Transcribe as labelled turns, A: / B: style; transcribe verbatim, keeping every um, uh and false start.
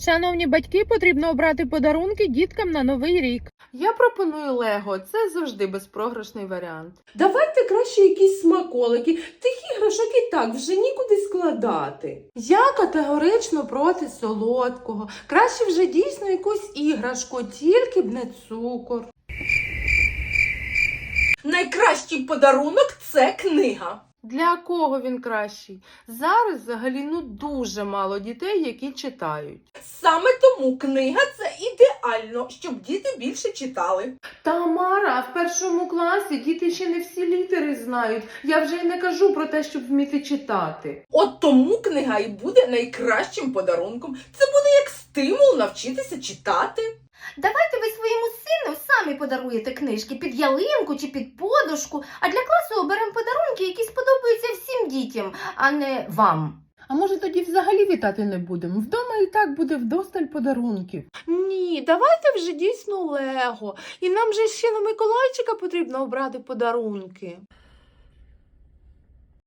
A: Шановні батьки, потрібно обрати подарунки діткам на Новий рік.
B: Я пропоную Лего, це завжди безпрограшний варіант.
C: Давайте краще якісь смаколики, тих іграшок і так вже нікуди складати.
B: Я категорично проти солодкого. Краще вже дійсно якусь іграшку, тільки б не цукор.
C: Найкращий подарунок – це книга.
B: Для кого він кращий? Зараз взагалі ну дуже мало дітей, які читають.
C: Саме тому книга – це ідеально, щоб діти більше читали.
B: Тамара, в першому класі діти ще не всі літери знають. Я вже й не кажу про те, щоб вміти читати.
C: От тому книга і буде найкращим подарунком. Це буде як стимул навчитися читати.
D: Давайте ви своєму сину самі подаруєте книжки під ялинку чи під подушку, а для класу оберемо подарунки, які сподобаються всім дітям, а не вам.
A: А може тоді взагалі вітати не будемо? Вдома і так буде вдосталь подарунків.
B: Ні, давайте вже дійсно Лего. І нам же ще на Миколайчика потрібно обрати подарунки.